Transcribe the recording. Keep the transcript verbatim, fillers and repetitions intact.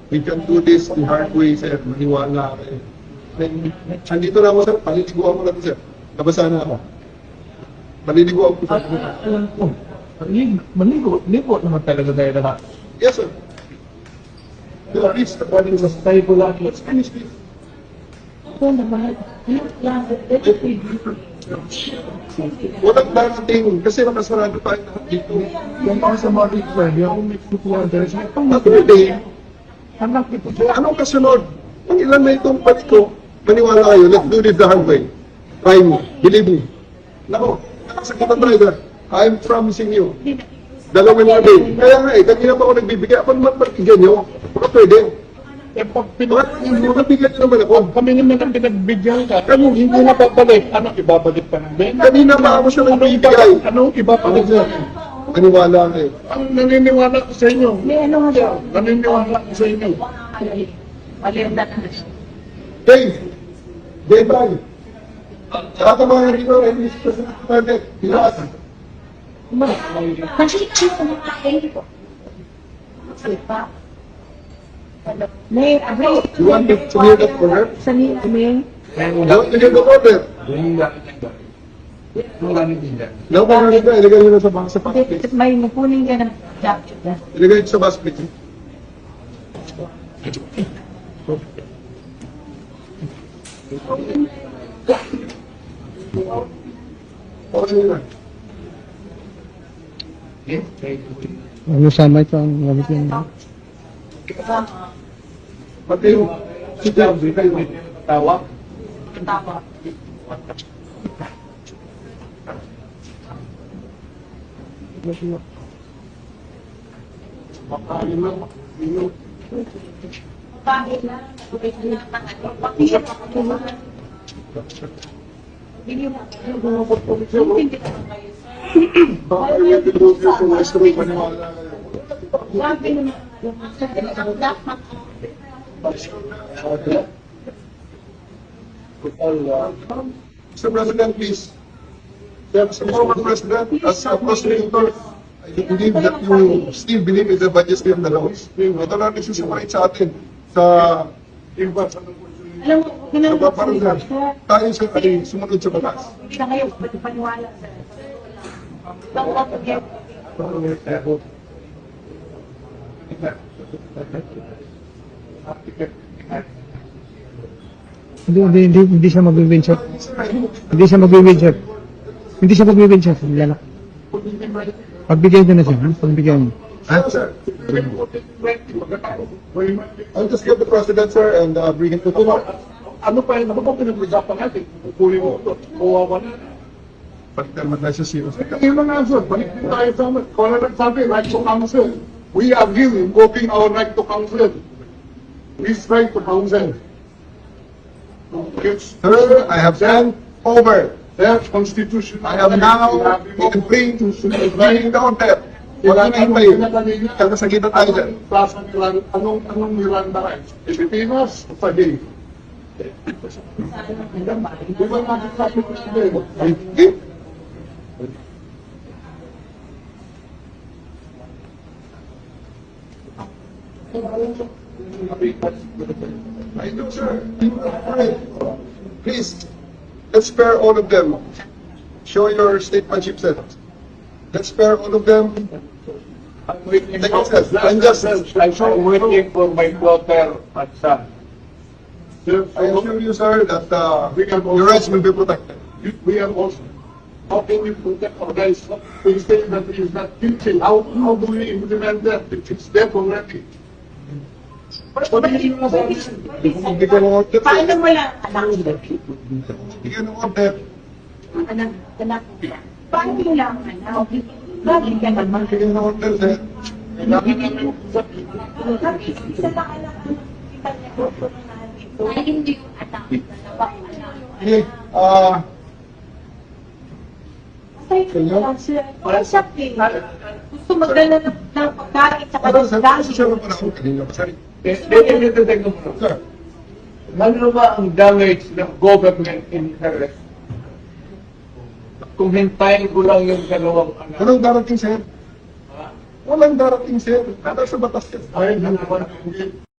We can do this the hard way, sir. Maniwala kayo. Then, andito na ako, sir. Paliliguan ko na ito, sir. Nabasa na ako. Paliliguan ko, sir. Alam ko, maligo, maligo, ligo naman talaga tayo lahat. Yes, sir. Sir, please, the body was Tayo ko lang. Let's finish this. Ako naman, yung plan, Walang darating kasi nakasarado tayo lahat dito. Yung mga sa mga return, yung may kukuha ang deres, may Saturday, anak ito. anong kasunod? Ang ilan na itong pati ko, maniwala kayo, let's do this the hard way. Try me, believe me. Nako, nakasakitan driver, I'm promising you. Dalawang na day. Kaya nga eh, kanina pa ako nagbibigay. Ako naman pagbigyan nyo, baka pwede. Eh, pag Bakit pinag- nabigyan nyo naman ako? kami naman ang pinagbigyan ka, ano, hindi na babalik. Ano, ibabalik pa namin? Kanina pa ako siya nagbibigay. Ano, ibabalik namin? Maniwala kayo. Ang naniniwala ko sa inyo. may ano nga siya. Naniniwala ko sa inyo. Malianda na siya. Dave! Dave tayo. Saka mga rito, English President, Pinas. Kasi siya na kain ko. Sipa. May abri. You want me to hear that for her? Sa niya, may. You want to hear the order? No, kung ano ka, ilagay nyo na sa bang sa basket. May napunin ka ng jacket. Ilagay nyo sa basket. Okay na. Ano sama ito ang gamit yung... Pati yung si Dave, tawa. Tama. Makain lang. Minum. Bakit na? Bakit na? Bakit na? Hindi mo hindi ka kayo. Baka yung pinulog yung semestro, maniwala kayo. Sabi naman, sa dapat Mister President, please. As a former President, as a prosecutor, I believe that you still believe in the majesty of the laws. Ito na nagsusumarit sa atin sa iba sa alam mo, ginagawa ko kapaparan tayo sa ay sumunod sa batas. hindi na kayo paniwala sa Bang ako yan. Hindi, hindi, hindi, hindi siya mag-win shot. Hindi siya mag-win shot. Hindi siya mag-win shot. Lalak. Pagbigyan ko na siya. ha? Pagbigyan mo. Ano, sir? I'll just give the President, sir, and uh, bring him to the court. Ano pa yun? Ano ba pinag-usapan natin? Kukunin mo ito. Kuwawa na. Balik naman tayo sa serious. Yung mga answer, balik po tayo sa amin. Kung ano nagsabi, right to counsel. We agree invoking our right to counsel. This right to counsel. It's, Sir, I have sent over. their constitution. I have now been free to bring the order. Wala na tayo. Kakasagitan tayo dyan. Plaza Miranda, anong, anong Miranda rights? Pilipinas, pagi. Di ba natin sabi ko siya din? Hindi. I do, sir. Please, let's spare all of them. Show your statesmanship set. Let's spare all of them. I'm waiting Take for, it, sir. I'm just- I'm waiting for my daughter and son. I assure you, sir, that uh, your rights will be protected. We are also, how can we protect our guys? We say that he is not guilty. How, how do we implement that if it's dead already? Sabihin mo sa amin. Kung bigyan ng order, Paano mo lang, anak, bigyan ng order. anak, anak, paano mo lang, anak, bakit ka naman? Bigyan ng order, sir. Kailangan namin sa Kami, isa lang anak, kita niya ko po ng natin. Ay, hindi yung anak, dalawang anak. Okay, ah, Ay, wala siya. Wala siya, eh. Gusto magdala ng ng pagkain sa ano, sir, kanyang kasi siya naman ako kanina. Sorry. Dito, dito, dito. Sir, Ano ba ang damage ng government interest? Kung hintayin ko lang yung dalawang anak. walang darating, sir. Walang darating, sir. Nasa sa batas, sir. Ay, naman.